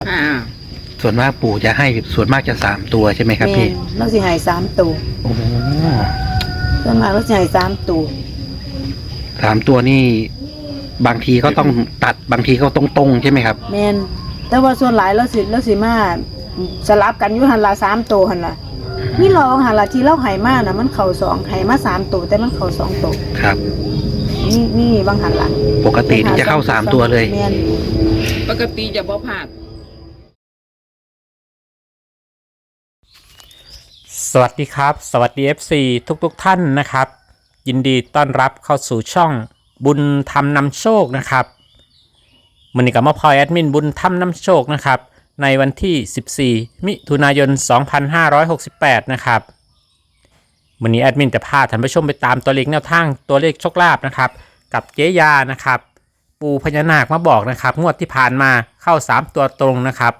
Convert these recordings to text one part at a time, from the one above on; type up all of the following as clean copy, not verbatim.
อ่าส่วนมากปู่จะให้ส่วนมากจะ3 ตัวใช่ไหมครับแม่พี่นเราสิให้3 ตัวโอ้โหส่วนมากเราสิให้3 ตัว 3 ตัวนี่บางทีก็ต้องตัดบางทีก็ตรงๆใช่ไหมครับแม่นแต่ว่าส่วนหลายเราสิมาสลับกันอยู่หันละ3 ตัวหันละมีรองหันละที่เราให้มาน่ะมันเข้า2ให้มา3 ตัวแต่มันเข้า2 ตัวครับนี่บางหันละปกตินี่จะเข้า3 ตัวเลยแม่นปกติจะบ่พลาดสวัสดีครับสวัสดี FC ทุกท่านนะครับยินดีต้อนรับเข้าสู่ช่องบุญธรรมนำโชคนะครับมื้อนี้ก็มาพลอยแอดมินบุญธรรมนำโชคนะครับในวันที่14มิถุนายน2568นะครับมื้อนี้แอดมินจะพาท่านผู้ชมไปตามตัวเลขแนวทางตัวเลขโชคลาภนะครับกับเจ๊ยานะครับปู่พญานาคมาบอกนะครับงวดที่ผ่านมาเข้า3 ตัวตรงนะครับ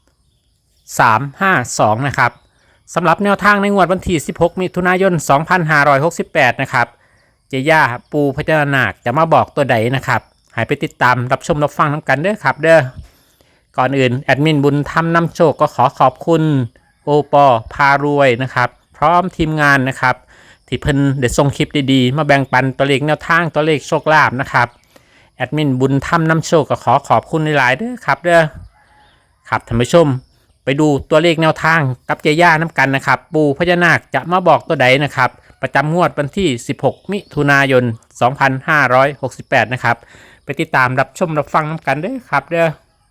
352นะครับสำหรับแนวทางในงวดวันที่16มิถุนายน2568นะครับเจย่าปูพญานาคจะมาบอกตัวใดนะครับให้ไปติดตามรับชมรับฟังทั้งกันเด้อครับเด้อก่อนอื่นแอดมินบุญธรรมนำโชคก็ขอขอบคุณโอปอพารวยนะครับพร้อมทีมงานนะครับที่เพิ่นได้ส่งคลิปดีๆมาแบ่งปันตัวเลขแนวทางตัวเลขโชคลาภนะครับแอดมินบุญธรรมนำโชคก็ขอขอบคุณหลายๆเด้อครับเด้อครับท่านผู้ชมไปดูตัวเลขแนวทางกับเจย่าน้ำกันนะครับปู่พญานาคจะมาบอกตัวใดนะครับประจำงวดวันที่16มิถุนายน2568นะครับไปติดตามรับชมรับฟังน้ำกันเด้อครับเด้อ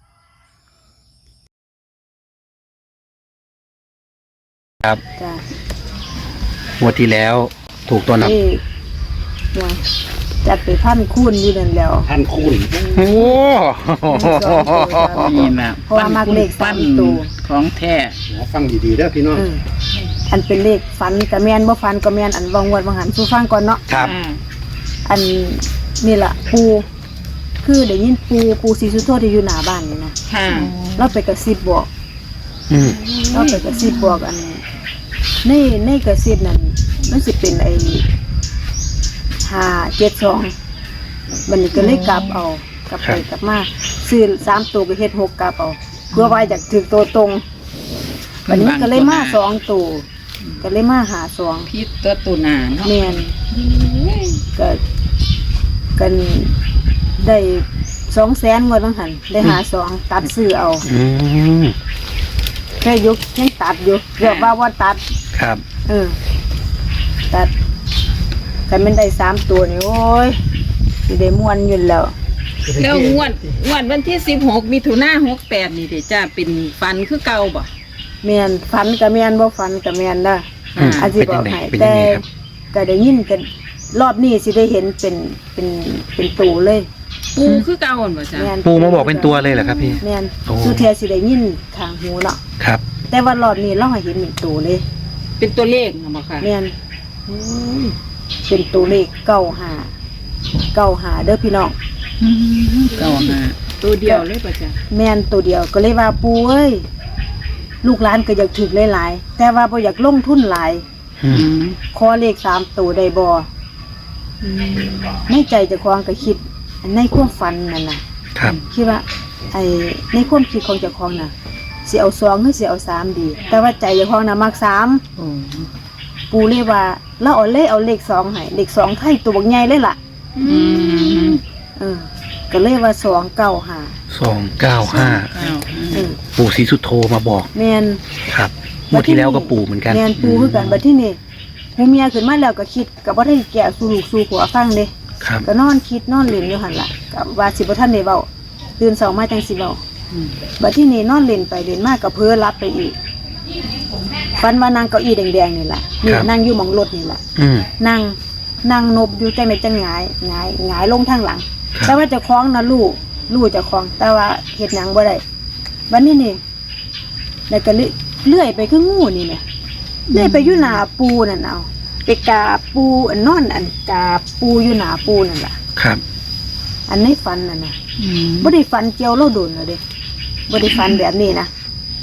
ครับจ้ะงวดที่แล้วถูกตัวนับนี่ว่าจัดไป1,000 คูณอยู่นั่นแล้วท่านคูณโอ้นี่นะเพราะว่ามักเลขปั้น 3 ตัวของแท้ฟังดีๆเด้อพี่น้องอันเป็นเลขฝันกะแมนบ่ฝันกะแมนอันวางวดวางหันสู่ฟังก่อนเนาะครับอ่าอันนี่ล่ะปูคือได้ยินปูศรีสุโธที่อยู่หน้าบ้านนี่นะค่ะเราไปกระซิบบอกอืมเราไปกระซิบบอกอันในกระซิบนั่นมันสิเป็นไอ้572มันนี่ก็เลยกลับเอากลับไปกลับมาซื้อ3 ตัวก็เฮ็ด6กลับเอาเพื่อว่าอยากถึงตัวตรงวันนี้ก็เลยมา2 ตัวก็เลยมาหา2 พิษตัวตุนาเนาะแม่นก็กันได้200,000งวดบางหันได้หา2ตัดซื้อเอาอืมแค่ยกยังตัดอยู่เรียกว่าตัดครับตัดกันมันได้3 ตัวนี่โอ้ยสิได้ม่วนอยู่แล้วแล้วงวดวันที่16มิถุนายน68นี่เด้จ้าเป็นฟันคือเก่าบ่แม่นฝันก็แม่นบ่ฝันก็แม่นเด้ออืมอาจสิบอกให้เป็นยัแต่งไงครับก็ได้ยินกันรอบนี้สิได้เห็นเป็นตัวเลยปูคือเก่าบ่จ้าแม่นปู่มาบอกเป็นตัวเลยเหรอครับพี่แม่นโอ้สุเทียสิได้ยินทางหูเนาะครับแต่ว่ารอบนี้เราให้เห็นเป็นตัวเลยเป็นตัวเลขเนาะบ่ค่ะแม่นเป็นตัวเลข95เด้อพี่น้องเก่าหาตัวเดียวเลยบ่จ้าแม่นตัวเดียวก็เลยว่าปูเอ้ยลูกหลานก็อยากถึกหลายๆแต่ว่าบ่อยากลงทุนหลายอืมขอเลข3 ตัวได้บ่ในใจเจ้าของก็คิดในความฝันนั่นน่ะครับคิดว่าไอ้ในความคิดของเจ้าของน่ะสิเอา2หรือสิเอา3ดี แต่ว่าใจเจ้าของน่ะมัก3 โอ้ปูเลยว่าเราเอาเลข2ให้เลข2ไทยตัวบักใหญ่เลยล่ะอืมก็เลยว่า295 295 เก้าปู่ศรีสุโธมาบอกแม่นครับงวดที่แล้วก็ปู่เหมือนกันแม่นปูคือกันบัดที่นี่หูเมียขึ้นมาแล้วก็คิดก็บ่ได้แก้สู่ลูกสู่ผัวฟังเด้ครับก็นอนคิดนอนเล่นอยู่หั่นล่ะก็ว่าสิบ่ทันได้เว้าตื่นเช้ามาจังสิเว้าบัดที่นี่นอนเล่นไปเล่นมาก็เพ้อหลับไปอีกฝันว่านางเก้าอี้แดงๆนี่ล่ะนี่นั่งอยู่หม่องรถนี่ล่ะอืมนั่งนบอยู่จังได๋จังหงายลงทางหลังครับแต่ว่าเจ้าของน่ะรู้เจ้าของแต่ว่าเฮ็ดหยังบ่ได้บัดนี้นี่แล้วก็เลื่อยไปคืองูนี่แหมเลื่อยไปอยู่หน้าปูนั่นเอาไปกราบปูอันนอนอันกราบปูอยู่หน้าปูนั่นล่ะครับอันในฝันน่ะนะบ่ได้ฝันเกี่ยวเราโดนเลยเด้บ่ได้ฝันแบบนี้นะ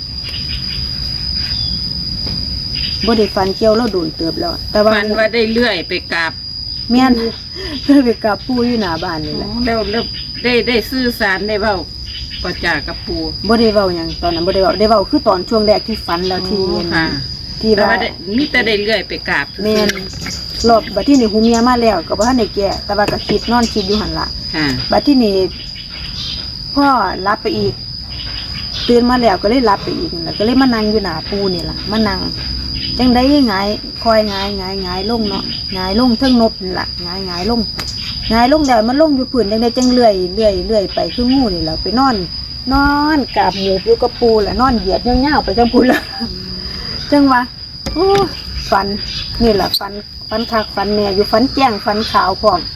บ่ได้ฝันเกี่ยวเราโดนเติบแล้ว แต่ว่าฟันว่าได้เลื่อยไปกราบแม่นเพื่อไปกราบปูอยู่หน้าบ้านนี่แหละแล้วได้สื่อสารได้เว้าก็จ่ากับปูบ่ได้เว้าหยังตอนนั้นบ่ได้เว้าได้เว้าคือตอนช่วงแรกที่ฝันแล้วที่ค่ะที่แต่ว่าว่าได้มีแต่ได้เลื่อยไปกราบแม่นรอบบัดที่นี่หูเมียมาแล้วก็บ่ทันได้แก้แต่ว่าก็คิดนอนคิดอยู่หั่นล่ะค่ะบัดที่นี่พ่อรับไปอีกตื่นมาแล้วก็เลยรับไปอีกนั่นแหละก็เลยมานั่งอยู่หน้าปูนี่ล่ะมานั่งจังได้หงายคอยหงายลงเนาะหงายลงเทิงนบนี่ล่ะหงายลงแล้วมันลงอยู่พื้นจังได้จังเลื่อยไปคืองูนี่แหละไปนอนกราบหมูอยู่กับปูแหละนอนเหยียดยาวๆไปจังปูละจังวะโอ้ฝันนี่แหละฝันคักฝันแน่อยู่ฝันแจ้งฝันขาวพร้อม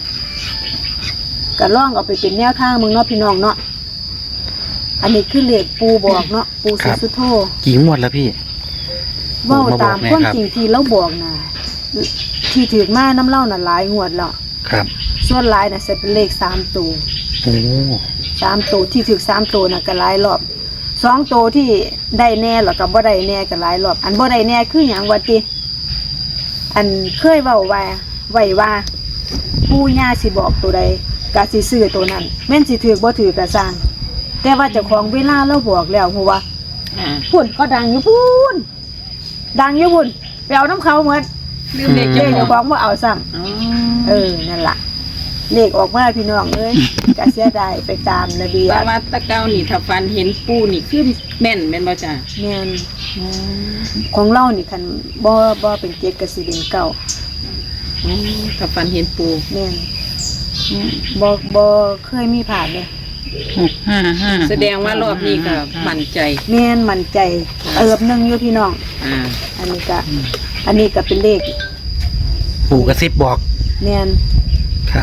ก็ล่องเอาไปเป็นแนวทางมึงเนาะพี่น้องเนาะอันนี้คือเลขปูบอกเนาะปูศรีสุโธกี่งวดแล้วพี่เว้าตามมาบอกแม่ความครับจริงที่เราบอกนะที่ถือมาน้ำเล่าน่ะหลายงวดแล้วครับส่วนหลายน่ะจะเป็นเลข3ตัวโอ้ 3ตัวที่ถือ3ตัวน่ะก็หลายรอบ2ตัวที่ได้แน่แล้วก็บ่ได้แน่ก็หลายรอบอันบ่ได้แน่คือหยังว่าติอันเคยเว้าไว้ว่าปู่ย่าสิบอกตัวใดก็สิซื้อตัวนั้นแม่นสิถือบ่ถือก็สร้างแต่ว่าเจ้าของเวลาเราบอกแล้วฮู้ว่าอ่าพุ่นก็ดังอยู่พุ่นดังอยู่พุ่นไปเอาน้ำเขาเหมือนลืมเด็กเลเจ้าขขเจ้าองของว่าเอาซ้อ๋อำนั่นล่ะเลขออกมาพี่น้องเอ้ยกะเสียดายไปตามระเบียแต่บว่าตะเกานี่ถ้าฟันเห็นปูนี่คือแม่นบ่จ้าแม่นของเรานี่คันบ่เป็นเจ็ดก็สิเป็นเก้าถ้าฟันเห็นปูแม่นบ่เคยมีผ่านเลยแสดงว่ารอบนี้ก็มั่นใจแม่นมั่นใจหนึงอยู่พี่น้องอ่าอันนี้ก็เป็นเลขปู่กระซิบบอกแม่นครับ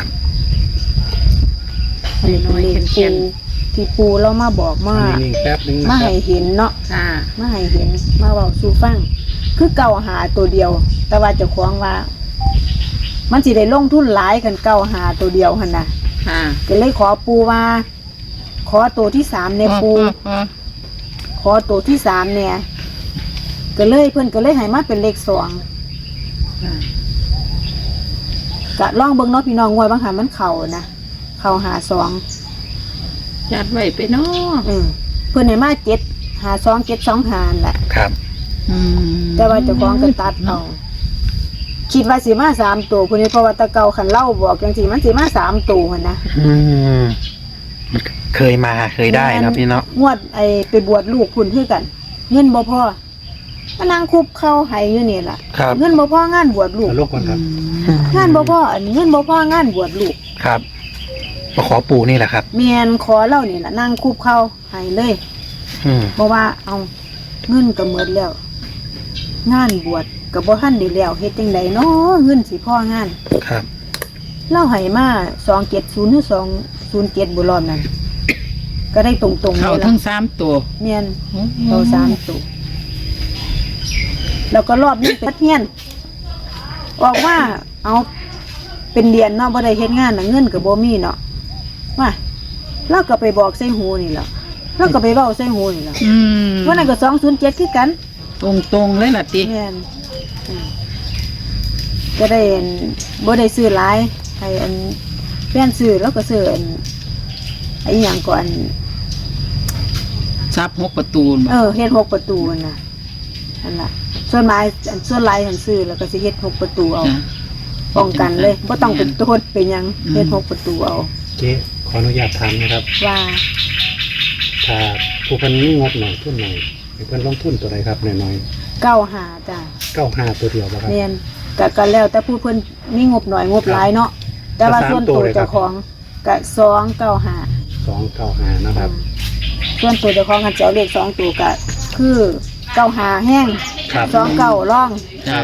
อันนี้เป็นเลขปูที่ปูเรามาบอกมานิ่งๆแป๊บนึงนะมาครัให้บเห็นเนาะค่ะมาให้เห็นมาเว้าสู่ฟังคือเก่าหาตัวเดียว แต่ว่าเจ้าของว่า มันสิได้ลงทุนหลายกันเก่าหาตัวเดียวหั่นน่ะค่ะก็เลยขอปูว่า ขอตัวที่3ในปู ขอตัวที่3เนี่ยก็เลยเพิ่นก็เลยให้มาเป็นเลข2ก็ลองเบิ่งเนาะพี่น้องงวดบางหันมันเข้านะเข้าหา2 ยัดไว้ไปเนาะเพิ่นให้มา7 5 2 7 2 5แหละครับแต่ว่าเจ้าของก็ตัดเอาคิดว่าสิมา3ตัวพุ่นนี้เพราะว่าแตะเก่าคันเล่าบอกจังซี่มันสิมา3ตัวหั่นนะอืมมันเคยได้นะพี่เนาะงวดไปบวชลูกพุ่นคือกัน เงินบ่พอมานั่งคุบเข้าให้อยู่นี่ล่ะครับเงินบ่พองานบวชลูกเอาลูกก่อนครับงานบ่พออันเงินบ่พองานบวชลูกครับมาขอปู่นี่แหละครับแม่นขอเล่านี่ล่ะนั่งคุบเข้าให้เลยอืมเพราะว่าเอาเงินก็หมดแล้ว งานบวชก็บ่ทันได้แล้วเฮ็ดจังไดเนาะเงินสิพองานครับเล่าให้มา270หรือ207บ่รอบนั้นก็ได้ตรงๆเขาเลยทั้ล่ะง3ตัวแม่นเรา3ตัวแล้วก็รอบนี้เป็นเฮียนออกว่าเอาเป็นเดือนเนาะบ่ได้เฮ็ดงานน่ะเงินก็บ่มีเนาะว่าเราก็ไปบอกใส่หูนี่แหละเราก็ไปเว้าใส่หูนี่แหละ วันนั้นก็207คือกันตรงเลยล่ะติแม่นก็ได้บ่ได้ซื้อหลายให้อันแฟนซื้อแล้วก็ซื้ออันไอ้หยังก่อนซับ6ประตูเฮ็ด6ประตูน่ะนั่นล่ะส่วนหลายหันซื้อแล้วก็สิเฮ็ด6ประตูเอาป้องกันเลยบ่ต้องเป็นโทษเป็นหยังเฮ็ด6ประตูเอาเจ๊ขออนุญาตถามนะครับว่าถ้าผู้เพันนี่งบหน่อยทุนหน่อยให้เพิ่นลงทุนตัวใดครับน้อย 95จ้ะๆ95ตัวเดียวบ่ครับแม่นก็แล้วแต่ผู้เพิ่นมีงบหน่อยงบหลายเนาะแต่ว่าส่วนตัวเจ้าของก็295 295นะครับส่วนตัวเจ้าของกันจะเอาเลข2ตัวก็คือ95แห้งครับ 29ร่องครับ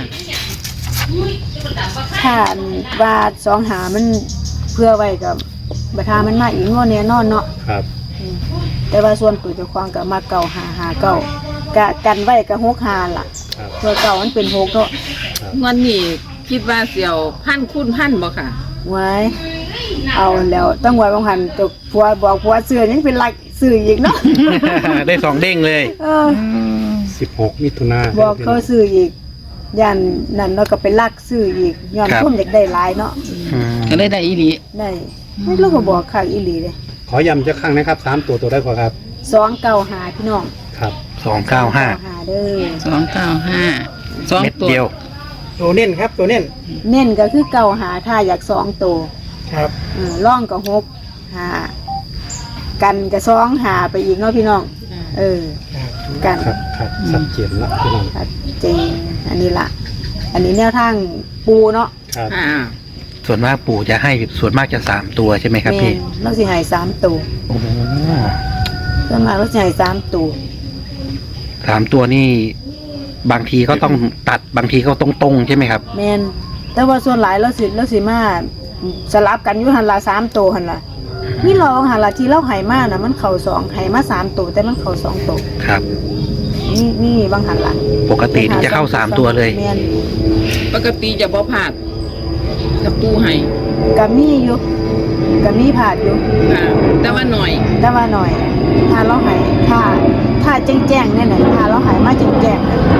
ถ้าว่า25มันเพื่อไว้กับบัดหามันมาอีกงวดแน่นอนเนาะครับแต่ว่าส่วนตัวเจ้าของก็มา9559กะกันไว้ก็65ล่ะครับตัวเก่ามันเป็น6เนาะงวดนี้คิดว่าเสี่ยวพันคูณพันบ่ค่ะไว้เอาแล้วต้องไว้บางหันตัวผัวบอกผัวซื้อยังเป็นหลักซื้ออีกเนาะได้สองเด้งเลย 16มิถุนายนบอกเขาซื้ออีกยันนั่นเราก็ไปลักซื้ออีกย้อนครับทุ่มอยากได้หลายเนาะอืมก็เลยได้อีหลีได้ไม่รู้ก็บอกข้างอีหลีเลยขอย้ำจะครั้งนะครับ3ตัวได้กว่าครับ 295พี่น้องครับ 295 เด้อ 295 เม็ด 2ตัวเดียวตัวเน้นครับตัวเน้นเน้นก็คือ95ถ้าอยาก2ตัวครับร่องก็6 กันก็2 5ไปอีกเนาะพี่น้องกันครับชัดเจนแล้วพี่น้องชัดเจนอันนี้ละอันนี้แนวทางปูเนาะครับส่วนมากปู่จะให้ส่วนมากจะ3ตัวใช่ไหมครับพี่แม่นเราสิให้3ตัวโอ้โหส่วนมากเราสิให้3ตัว 3ตัวนี่บางทีก็ต้องตัดบางทีก็ตรงๆใช่ไหมครับแม่นแต่ว่าส่วนหลายเราสิมาสลับกันอยู่หันละ3ตัวหันละนี่ลองหันละที่เราให้มาน่ะมันเข้า2ให้มา3ตัวแต่มันเข้า2ตัวครับนี่บางหันละปกตินี่จะเข้า3ตัวเลยแม่นปกติจะบ่พลาดกับปูให้ก็มีอยู่ก็มีผาดอยู่ค่ะแต่ว่าหน่อยแต่ว่าหน่อย ถ้าเราให้ถ้าแจ้งๆเนี่ยน่ะถ้าเราให้มาแจ้งๆน่ะ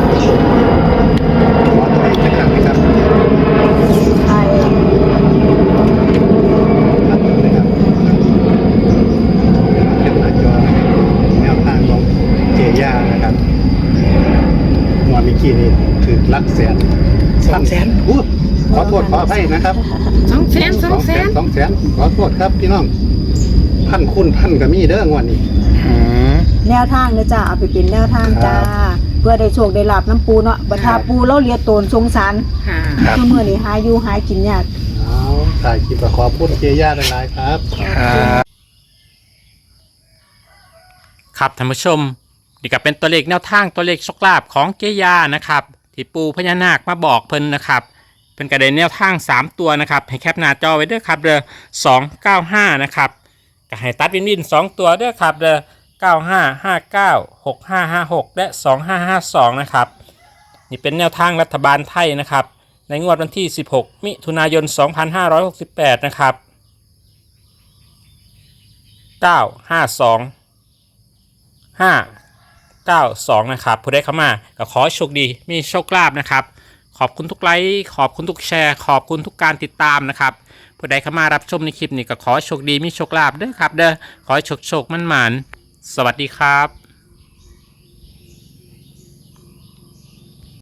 ขอตัวเลขจะครั้งนะครับให้ครับนะครับเป็นหน้าจอแนวทางของเจย่านะครับงวดเมื่อกี้นี่คือหลักแสน 200,000 อู้ขอโทษขออภัยนะครับ 200,000 ขอโทษครับพี่น้องพันคุณพันกับมีเด้องวดนี้อืมแนวทางเด้อจ้าเอาไปเป็นแนวทางจ้าครับเพื่อได้โชคได้ลาบน้ำปูเนาะบัดทาปูเราเลียโตนสงสารค่ะครับคือมื้อนี้หาอยู่หากินยากเอาถ่ายคลิปขอพูดเจย่าหลายๆครับครับครับท่านผู้ชมนี่ก็เป็นตัวเลขแนวทางตัวเลขโชคลาภของเจยานะครับที่ปูพญานาคมาบอกเพิ่นนะครับเป็นกระเด็นแนวทาง3ตัวนะครับให้แคปหน้าจอไว้เด้อครับเด้อ295นะครับก็ให้ตัดวิน2ตัวเด้อครับเด้อ9559 6556และ2552นะครับนี่เป็นแนวทางรัฐบาลไทยนะครับในงวดวันที่16มิถุนายน2568นะครับ952 592นะครับผู้ได้เข้ามาก็ขอโชคดีมีโชคลาภนะครับขอบคุณทุกไลค์ขอบคุณทุกแชร์ขอบคุณทุกการติดตามนะครับผู้ใดเข้ามารับชมในคลิปนี้ก็ขอโชคดีมีโชคลาภเด้อครับเด้อขอให้โชคมั่นหมานสวัสดีครับ